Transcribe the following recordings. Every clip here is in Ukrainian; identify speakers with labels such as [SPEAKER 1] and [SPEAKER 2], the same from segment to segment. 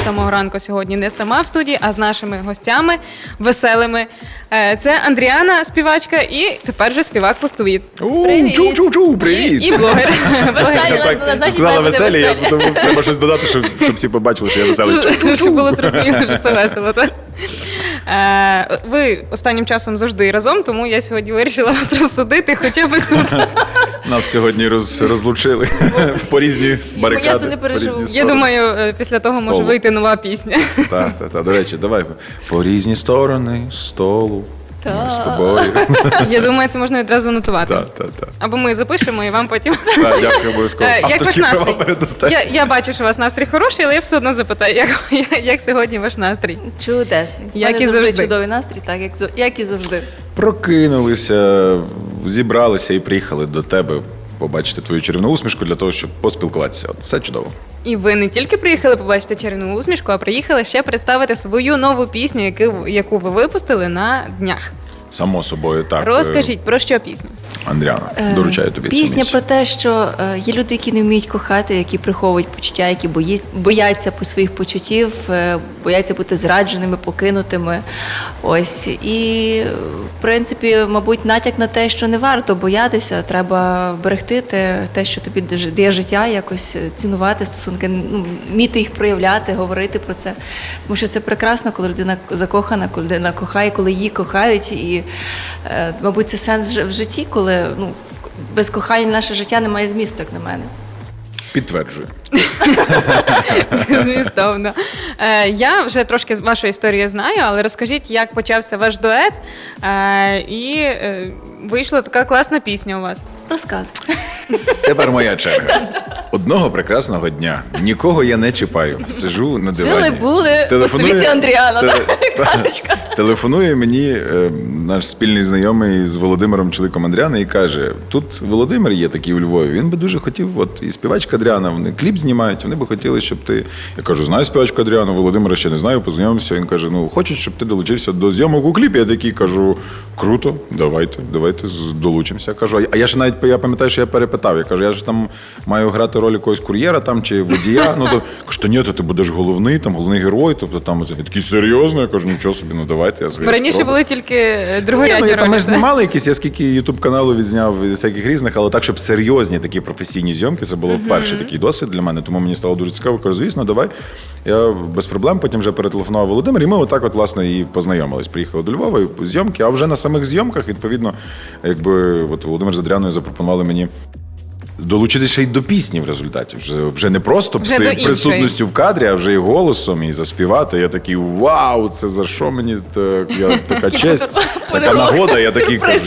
[SPEAKER 1] з самого ранку сьогодні не сама в студії, а з нашими гостями веселими. Це Андріана, співачка, і тепер же співак-пустовід.
[SPEAKER 2] Привіт! Привіт!
[SPEAKER 1] І блогер.
[SPEAKER 2] Сказала веселі, я тому треба щось додати, щоб всі побачили, що я веселий.
[SPEAKER 1] Щоб було зрозуміло, що це весело, так? Ви останнім часом завжди разом, тому я сьогодні вирішила вас розсудити хоча б тут.
[SPEAKER 2] Нас сьогодні розлучили по різні барикади.
[SPEAKER 3] Я це не переживу.
[SPEAKER 1] Я думаю, після того може вийти нова пісня.
[SPEAKER 2] Так. До речі, давай. По різні сторони столу. Ми з тобою.
[SPEAKER 1] Я думаю, це можна відразу нотувати.
[SPEAKER 2] Так.
[SPEAKER 1] Або ми запишемо і вам потім.
[SPEAKER 2] Так, дякую, обов'язково.
[SPEAKER 1] Як ваш настрій?
[SPEAKER 2] Передасте.
[SPEAKER 1] Я бачу, що у вас настрій хороший, але я все одно запитаю, як сьогодні ваш настрій?
[SPEAKER 3] Чудесний.
[SPEAKER 1] Як і завжди.
[SPEAKER 3] Чудовий настрій, так, як і завжди.
[SPEAKER 2] Прокинулися, зібралися і приїхали до тебе побачити твою чарівну усмішку для того, щоб поспілкуватися. От, все чудово.
[SPEAKER 1] І ви не тільки приїхали побачити чарівну усмішку, а приїхали ще представити свою нову пісню, яку ви випустили на днях.
[SPEAKER 2] Само собою, так.
[SPEAKER 1] Розкажіть, про що пісня?
[SPEAKER 2] Андріана, доручаю тобі цю
[SPEAKER 3] Пісня
[SPEAKER 2] місію.
[SPEAKER 3] про те, що є люди, які не вміють кохати, які приховують почуття, які бояться по своїх почуттів, бояться бути зрадженими, покинутими. Ось. І, в принципі, мабуть, натяк на те, що не варто боятися, треба берегти те, що тобі дає життя, якось цінувати стосунки, вміти їх проявляти, говорити про це. Тому що це прекрасно, коли людина закохана, коли людина кохає, коли її кохають. І, мабуть, це сенс в житті, коли без кохання наше життя не має змісту, як на мене.
[SPEAKER 2] Підтверджую.
[SPEAKER 1] Змістовно. Я вже трошки вашу історію знаю, але розкажіть, як почався ваш дует, і вийшла така класна пісня у вас.
[SPEAKER 3] Розказуй.
[SPEAKER 2] Тепер моя черга. Одного прекрасного дня. Нікого я не чіпаю. Сижу на дивані.
[SPEAKER 3] Жили-були, Пустовіт і Андріана. Казочка.
[SPEAKER 2] Телефонує мені наш спільний знайомий з Володимиром, чоловіком Андріани, і каже, тут Володимир є такий у Львові, він би дуже хотів, от і співачка Андріана, вони кліп знімають, вони би хотіли, щоб ти... Я кажу, знаю співачку Андріану, Володимира ще не знаю, познайомився. Він каже, хочуть, щоб ти долучився до зйомок у кліпі. Я такий кажу, круто, давайте долучимося. Кажу, а я ж навіть, я пам'ятаю, що я перепитав, я кажу, я ж там маю грати роль якогось кур'єра там чи водія. Кажу, ні, то ти будеш головний герой, тобто там я такий серйозно, я кажу, нічого собі, давайте.
[SPEAKER 1] Ви раніше були тільки другорядні ролі.
[SPEAKER 2] Ми ж знімали якісь, я скільки ютуб-каналу відзняв з всяких різних, але так, щоб серйозні такі професійні зйомки, це було вперше такий досвід для мене, тому мені стало дуже цікаво. Кажу, звісно, давай. Я без проблем, потім вже перетелефонував Володимир, і ми отак от, власне, і познайомились. Приїхали до Львова, і зйомки, а вже на самих зйомках, відповідно, якби от Володимир з Адріаною запропонували мені долучитися ще й до пісні в результаті. Вже не просто своєю присутністю в кадрі, а вже і голосом, і заспівати. Я такий, вау, це за що мені така честь, така нагода. Я такий кажу,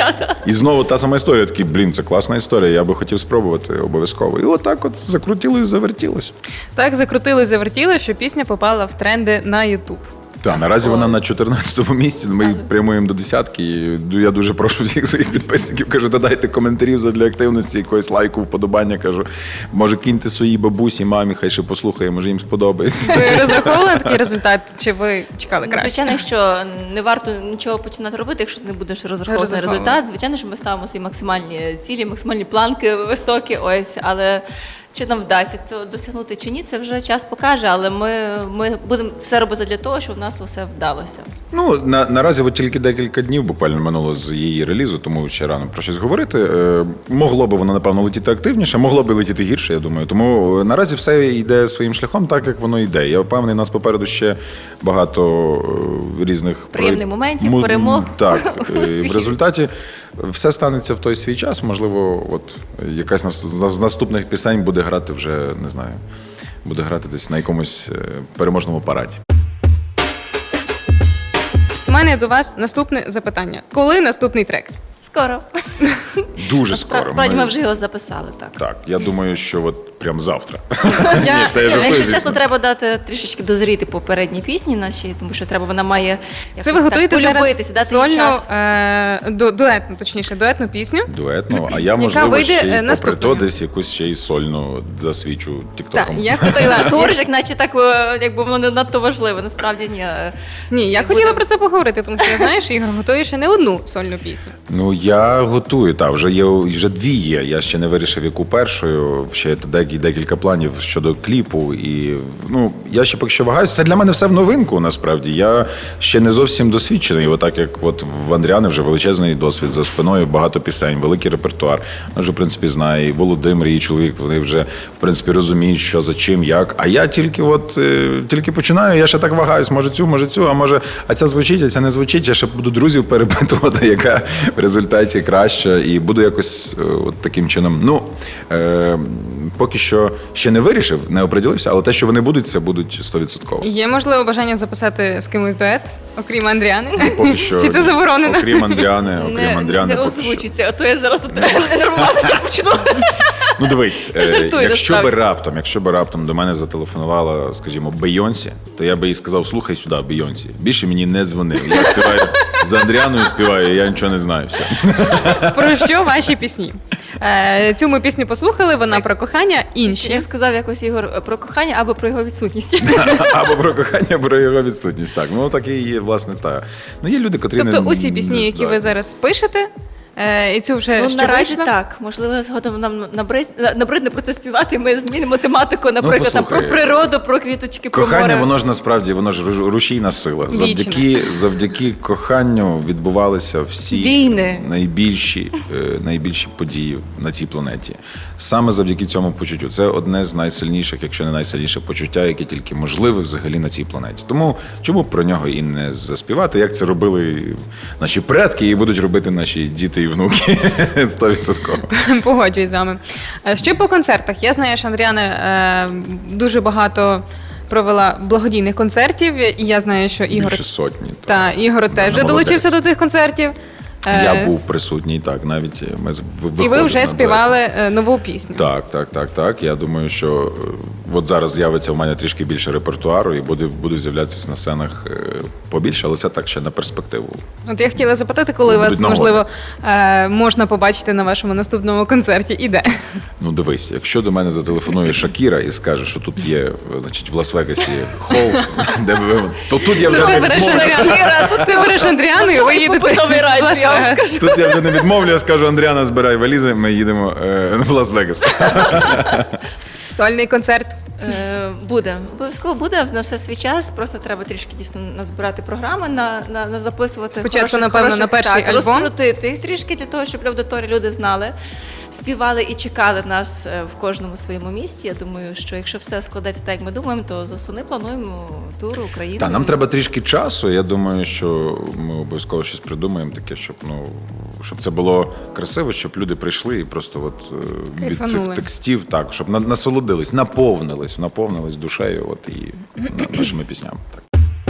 [SPEAKER 2] І знову та сама історія, такий, це класна історія, я би хотів спробувати обов'язково. І отак от закрутили і завертілось.
[SPEAKER 1] Так, закрутили і завертілось, що пісня попала в тренди на YouTube.
[SPEAKER 2] Так, наразі вона на 14-му місці, ми прямуємо до десятки, і я дуже прошу всіх своїх підписників, кажу, додайте коментарів задля активності, якогось лайку, вподобання, кажу, може киньте своїй бабусі, мамі, хай ще послухає, може їм сподобається.
[SPEAKER 1] Ви розраховували на такий результат, чи ви чекали краще?
[SPEAKER 3] Звичайно, якщо не варто нічого починати робити, якщо ти не будеш розраховувати на результат, звичайно, що ми ставимо свої максимальні цілі, максимальні планки високі, ось, але чи нам вдасться то досягнути чи ні, це вже час покаже, але ми будемо все робити для того, щоб у нас все вдалося.
[SPEAKER 2] Наразі от тільки декілька днів буквально минуло з її релізу, тому ще рано про щось говорити. Могло би воно, напевно, летіти активніше, могло би летіти гірше, я думаю. Тому наразі все йде своїм шляхом так, як воно йде. Я впевнений, нас попереду ще багато різних
[SPEAKER 3] приємних моментів, перемог.
[SPEAKER 2] Так, в результаті все станеться в той свій час. Можливо, от якась з наступних пісень буде грати вже, не знаю, буде грати десь на якомусь переможному параді.
[SPEAKER 1] У мене до вас наступне запитання. Коли наступний трек?
[SPEAKER 3] Скоро.
[SPEAKER 2] Дуже скоро.
[SPEAKER 3] Справді ми вже його записали, так.
[SPEAKER 2] Так, я думаю, що от прям завтра.
[SPEAKER 3] Якщо чесно, треба дати трішечки дозріти попередній пісні нашій, тому що вона має
[SPEAKER 1] це ви готуєте зараз
[SPEAKER 3] дати
[SPEAKER 1] сольну, дуетну пісню.
[SPEAKER 2] Дуетну, а я, можливо, ще й попри то десь якусь ще й сольну засвічу тіктоком.
[SPEAKER 1] Так, я хотіла...
[SPEAKER 3] Говориш, наче так, якби воно не надто важливо, насправді ні.
[SPEAKER 1] Ні, я хотіла про це поговорити, тому що я знаю, що Ігор готує ще не одну сольну пісню.
[SPEAKER 2] Я готую, вже дві є. Я ще не вирішив, яку першою. Ще і декілька планів щодо кліпу. І, ну, я ще поки що вагаюся. Це для мене все в новинку, насправді. Я ще не зовсім досвідчений. Отак, як от в Андріани вже величезний досвід за спиною, багато пісень, великий репертуар. Вона вже, в принципі, знає і Володимир, і чоловік, вони вже, в принципі, розуміють, що за чим, як. А я тільки починаю, я ще так вагаюсь, може цю, а ця звучить, а ця не звучить. Я ще буду друзів перепитувати, яка в результаті краща, і буду якось от таким чином. Ну, поки що ще не вирішив, не оприділився, але те, що вони будуть, це будуть 100%.
[SPEAKER 1] Є, можливо, бажання записати з кимось дует, окрім Андріани?
[SPEAKER 2] Поки що,
[SPEAKER 1] Чи це заборонено?
[SPEAKER 2] Окрім Андріани,
[SPEAKER 3] Не
[SPEAKER 2] поки що.
[SPEAKER 3] озвучиться, а то я зараз нервуватися почну.
[SPEAKER 2] Ну дивись,
[SPEAKER 3] Жартую,
[SPEAKER 2] якщо би раптом до мене зателефонувала, скажімо, Бейонсі, то я би їй сказав: слухай сюди, Бейонсі, більше мені не дзвони. Я співаю за Андріаною, співаю, я нічого не знаю. Все.
[SPEAKER 1] Про що ваші пісні? Цю ми пісню послухали, вона про кохання, інші.
[SPEAKER 3] Я сказав якось, Ігор, про кохання або про його відсутність.
[SPEAKER 2] Або про кохання, або про його відсутність. Так, ну так і є, власне, та. Ну є люди, котрі
[SPEAKER 1] Тобто
[SPEAKER 2] не
[SPEAKER 1] усі пісні, які ви зараз пишете, і цю вже
[SPEAKER 3] Ну,
[SPEAKER 1] що
[SPEAKER 3] наразі
[SPEAKER 1] вийшло?
[SPEAKER 3] так. Можливо, згодом нам набридне про це співати, і ми змінимо тематику, наприклад, там, про
[SPEAKER 2] послухай,
[SPEAKER 3] природу, про квіточки, про
[SPEAKER 2] кохання,
[SPEAKER 3] море.
[SPEAKER 2] воно ж насправді, воно ж рушійна сила. Завдяки коханню відбувалися всі
[SPEAKER 3] Війни.
[SPEAKER 2] найбільші події на цій планеті. Саме завдяки цьому почуттю. Це одне з найсильніших, якщо не найсильніше почуття, яке тільки можливе взагалі на цій планеті. Тому чому б про нього і не заспівати, як це робили наші предки і будуть робити наші діти і внуки 100%.
[SPEAKER 1] Погоджуюсь з вами. Ще по концертах. Я знаю, що Андріана дуже багато провела благодійних концертів, і я знаю, що Ігор...
[SPEAKER 2] Більше сотні.
[SPEAKER 1] Та, Ігор теж вже
[SPEAKER 2] молодець.
[SPEAKER 1] долучився до цих концертів.
[SPEAKER 2] Я був присутній, так, навіть ми виходили.
[SPEAKER 1] І ви вже
[SPEAKER 2] на
[SPEAKER 1] співали нову пісню.
[SPEAKER 2] Так. Я думаю, що от зараз з'явиться в мене трішки більше репертуару і буду з'являтися на сценах побільше, але це так ще на перспективу.
[SPEAKER 1] От я хотіла запитати, коли
[SPEAKER 2] Будуть
[SPEAKER 1] вас,
[SPEAKER 2] нагоди.
[SPEAKER 1] можливо, можна побачити на вашому наступному концерті і де?
[SPEAKER 2] Ну дивись, якщо до мене зателефонує Шакіра і скаже, що тут є, значить, в Лас-Вегасі хол, де то тут я вже
[SPEAKER 1] Ти
[SPEAKER 2] не
[SPEAKER 1] береш
[SPEAKER 2] відмовлю.
[SPEAKER 1] Андріану, ти береш Андріану і ви їдете
[SPEAKER 3] Побутовий рай,
[SPEAKER 1] в Лас-Вегас.
[SPEAKER 3] я вам скажу.
[SPEAKER 2] Тут я вже не відмовлю, я скажу: Андріана, збирай валізи, ми їдемо в Лас-Вегас.
[SPEAKER 1] Сольний концерт.
[SPEAKER 3] Буде. Обов'язково буде, на все свій час. Просто треба трішки дійсно назбирати програми, на записувати.
[SPEAKER 1] Спочатку, напевно, на перший альбом.
[SPEAKER 3] Розкрутити їх трішки для того, щоб аудиторії люди знали, співали і чекали нас в кожному своєму місті. Я думаю, що якщо все складеться так, як ми думаємо, то з осени плануємо тур Україну.
[SPEAKER 2] Так, нам треба трішки часу. Я думаю, що ми обов'язково щось придумаємо таке, щоб це було красиво, щоб люди прийшли і просто від цих
[SPEAKER 1] Кайфанули.
[SPEAKER 2] текстів, так, щоб насолодились, наповнились душею і нашими піснями. Так.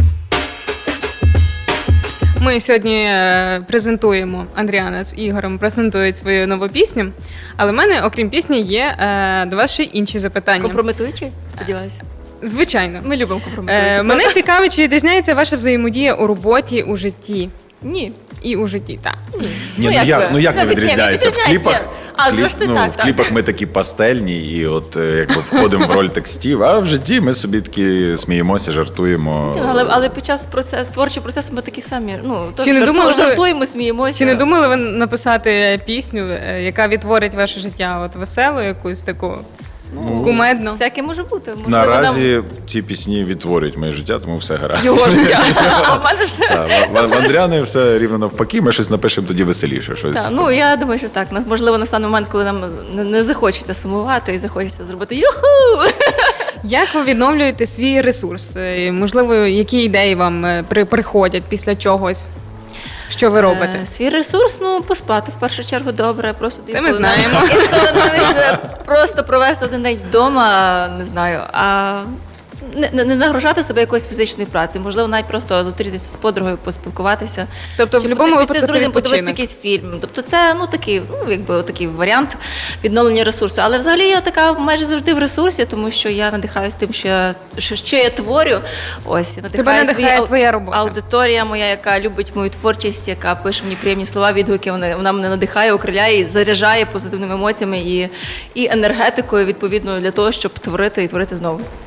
[SPEAKER 1] Ми сьогодні презентуємо, Андріана з Ігорем презентують свою нову пісню, але в мене, окрім пісні, є до вас ще й інші запитання.
[SPEAKER 3] Компрометуючи, сподіваюся.
[SPEAKER 1] Звичайно.
[SPEAKER 3] Ми любимо компрометуючи.
[SPEAKER 1] Мене цікавить, чи відрізняється ваша взаємодія у роботі, у житті.
[SPEAKER 3] Ні.
[SPEAKER 1] І у житті, так.
[SPEAKER 2] Ні,
[SPEAKER 3] ви?
[SPEAKER 2] як не відрізняється? В кліпах,
[SPEAKER 3] зрештою, так.
[SPEAKER 2] в кліпах ми такі пастельні, і якби входимо в роль текстів, а в житті ми собі такі сміємося, жартуємо.
[SPEAKER 3] Але під час творчого процесу ми такі самі.
[SPEAKER 1] Чи не думали ви-
[SPEAKER 3] жартуємо, сміємося.
[SPEAKER 1] Чи не думали ви написати пісню, яка відтворить ваше життя? От веселу, якусь таку кумедну?
[SPEAKER 3] Всяке може бути. Можливо,
[SPEAKER 2] Наразі ці пісні відтворюють моє життя, тому все гаразд.
[SPEAKER 3] його життя. А в мене все.
[SPEAKER 2] Так, в Андріани все рівно навпаки, ми щось напишемо тоді веселіше. Щось.
[SPEAKER 3] Я думаю, що так. Можливо, настане момент, коли нам не захочеться сумувати і захочеться зробити юху.
[SPEAKER 1] Як ви відновлюєте свій ресурс? Можливо, які ідеї вам приходять після чогось? Що ви робите?
[SPEAKER 3] Свій ресурс, поспати в першу чергу добре. Просто
[SPEAKER 1] Це ми знаємо.
[SPEAKER 3] Інколи навіть просто провести один день вдома, не знаю, а не нагружати себе якоюсь фізичною працею. Можливо, навіть просто зустрітися з подругою, поспілкуватися.
[SPEAKER 1] Тобто в
[SPEAKER 3] Чи
[SPEAKER 1] будь-якому
[SPEAKER 3] піти з
[SPEAKER 1] випадку це
[SPEAKER 3] друзями, подивитися
[SPEAKER 1] відпочинок.
[SPEAKER 3] якийсь фільм. Тобто це такий варіант відновлення ресурсу. Але взагалі я така майже завжди в ресурсі, тому що я надихаюсь тим, що я творю. Ось,
[SPEAKER 1] Тебе надихає твоя робота.
[SPEAKER 3] Аудиторія моя, яка любить мою творчість, яка пише мені приємні слова, відгуки, вона мене надихає, окриляє, заряджає позитивними емоціями і енергетикою, відповідно, для того, щоб творити і творити знову.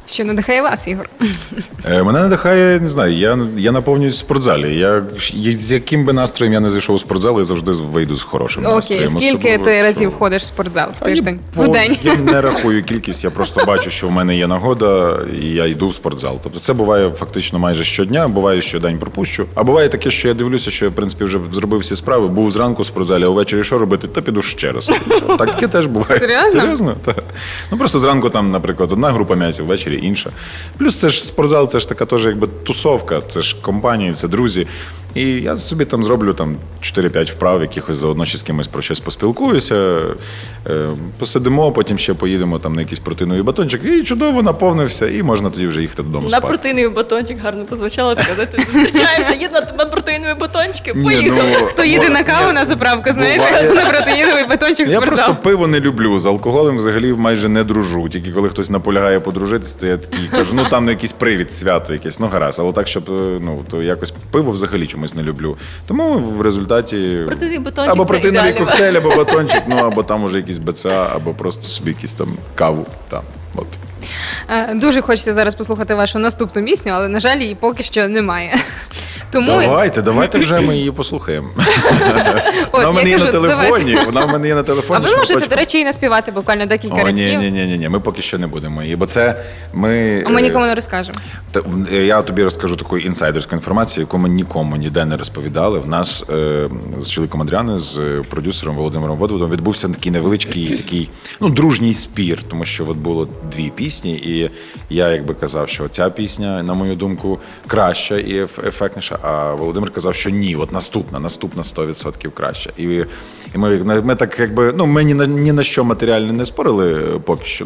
[SPEAKER 1] Що надихає вас, Ігор?
[SPEAKER 2] Мене надихає, не знаю, я наповнююсь в спортзалі. З яким би настроєм я не зайшов у спортзал, я завжди вийду з хорошим настроєм.
[SPEAKER 1] Окей, скільки
[SPEAKER 2] Особливо,
[SPEAKER 1] ти разів
[SPEAKER 2] що-
[SPEAKER 1] ходиш в спортзал в
[SPEAKER 2] Та ні,
[SPEAKER 1] тиждень? В день?
[SPEAKER 2] Я не рахую кількість, я просто бачу, що в мене є нагода, і я йду в спортзал. Тобто це буває фактично майже щодня, буває, що день пропущу. А буває таке, що я дивлюся, що я, в принципі, вже зробив всі справи, був зранку в спортзалі, а ввечері що робити? Та піду ще раз. Так таке теж буває.
[SPEAKER 1] Серйозно?
[SPEAKER 2] Серйозно? Так. Ну просто зранку там, наприклад, одна група м'язів, ввечері інша. Плюс це ж спортзал, це ж така теж якби тусовка, це ж компанії, це друзі. І я собі там зроблю там 4-5 вправ, якихось заодно ще з кимось про щось поспілкуюся, посидимо, потім ще поїдемо там на якийсь протеїновий батончик, і чудово наповнився, і можна тоді вже їхати додому
[SPEAKER 3] На
[SPEAKER 2] спати.
[SPEAKER 3] протеїновий батончик гарно позвучало, коли ти зустрічаємося, їдемо на протеїнові батончики, поїхали.
[SPEAKER 1] Хто їде на каву на заправку, знаєш, а
[SPEAKER 2] буває.
[SPEAKER 1] хто на протеїновий батончик в
[SPEAKER 2] Я
[SPEAKER 1] спортзал.
[SPEAKER 2] просто пиво не люблю, з алкоголем взагалі майже не дружу. Тільки коли хтось наполягає подружитися, то я такий кажу, ну там якийсь привід, свято якесь, ну гаразд, але так, щоб то якось пиво взагалі чомусь не люблю. Тому в результаті
[SPEAKER 3] Протеїновий батончик
[SPEAKER 2] або
[SPEAKER 3] це
[SPEAKER 2] протеїновий
[SPEAKER 3] ідеальний
[SPEAKER 2] коктейль, або батончик, ну або там уже якийсь БЦА, або просто собі якісь там каву. Там, от.
[SPEAKER 1] Дуже хочеться зараз послухати вашу наступну пісню, але, на жаль, її поки що немає. Тому
[SPEAKER 2] Давайте вже ми її послухаємо.
[SPEAKER 1] От,
[SPEAKER 2] Вона в мене
[SPEAKER 1] я
[SPEAKER 2] є на
[SPEAKER 1] кажу,
[SPEAKER 2] телефоні. Вона в мене є на
[SPEAKER 1] А
[SPEAKER 2] телефоні.
[SPEAKER 1] ви можете,
[SPEAKER 2] шматочком.
[SPEAKER 1] до речі, і наспівати буквально декілька
[SPEAKER 2] О,
[SPEAKER 1] рядків.
[SPEAKER 2] ні, ми поки що не будемо її, бо це ми.
[SPEAKER 1] А ми нікому не розкажемо.
[SPEAKER 2] Я тобі розкажу таку інсайдерську інформацію, яку ми нікому ніде не розповідали. В нас з чоловіком Адріани, з продюсером Володимиром Водводом відбувся такий невеличкий дружній спір, тому що от було дві пісні, і я якби казав, що ця пісня, на мою думку, краща і ефектніша, а Володимир казав, що ні, от наступна 100% краща. І ми так якби, ми ні на що матеріально не спорили поки що,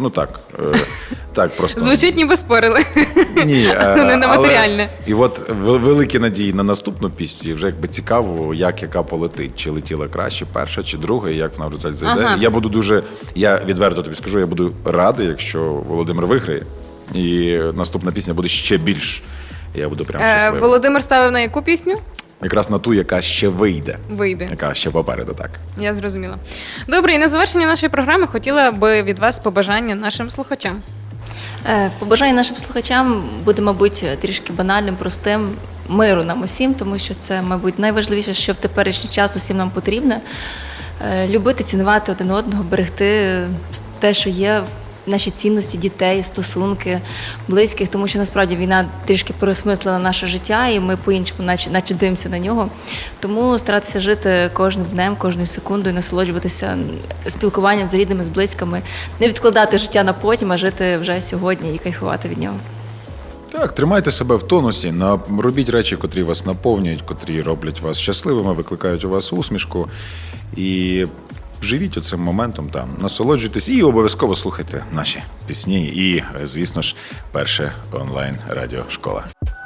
[SPEAKER 2] так просто.
[SPEAKER 1] Звучить, ніби спорили.
[SPEAKER 2] Ні,
[SPEAKER 1] Не на матеріальне.
[SPEAKER 2] І от великі надії на наступну пісню, і вже якби цікаво, як яка полетить, чи летіла краще, перша чи друга, і як вона в результаті зайде.
[SPEAKER 1] Ага.
[SPEAKER 2] Я відверто тобі скажу, я буду радий, якщо Володимир виграє, і наступна пісня буде ще більш. Я буду прям щасливий.
[SPEAKER 1] Володимир ставив на яку пісню?
[SPEAKER 2] Якраз на ту, яка ще вийде.
[SPEAKER 1] Вийде.
[SPEAKER 2] Яка ще попереду, так.
[SPEAKER 1] Я зрозуміла. Добре, і на завершення нашої програми хотіла би від вас побажання нашим слухачам.
[SPEAKER 3] Побажаю нашим слухачам буде, мабуть, трішки банальним, простим, миру нам усім, тому що це, мабуть, найважливіше, що в теперішній час усім нам потрібно. Любити, цінувати один одного, берегти те, що є, наші цінності дітей, стосунки, близьких, тому що насправді війна трішки переосмислила наше життя, і ми по-іншому наче дивимося на нього. Тому старатися жити кожним днем, кожною секундою, насолоджуватися спілкуванням з рідними, з близькими, не відкладати життя на потім, а жити вже сьогодні і кайфувати від нього.
[SPEAKER 2] Так, тримайте себе в тонусі, робіть речі, котрі вас наповнюють, котрі роблять вас щасливими, викликають у вас усмішку. І живіть оцим моментом там, насолоджуйтесь і обов'язково слухайте наші пісні і, звісно ж, перше онлайн радіошкола.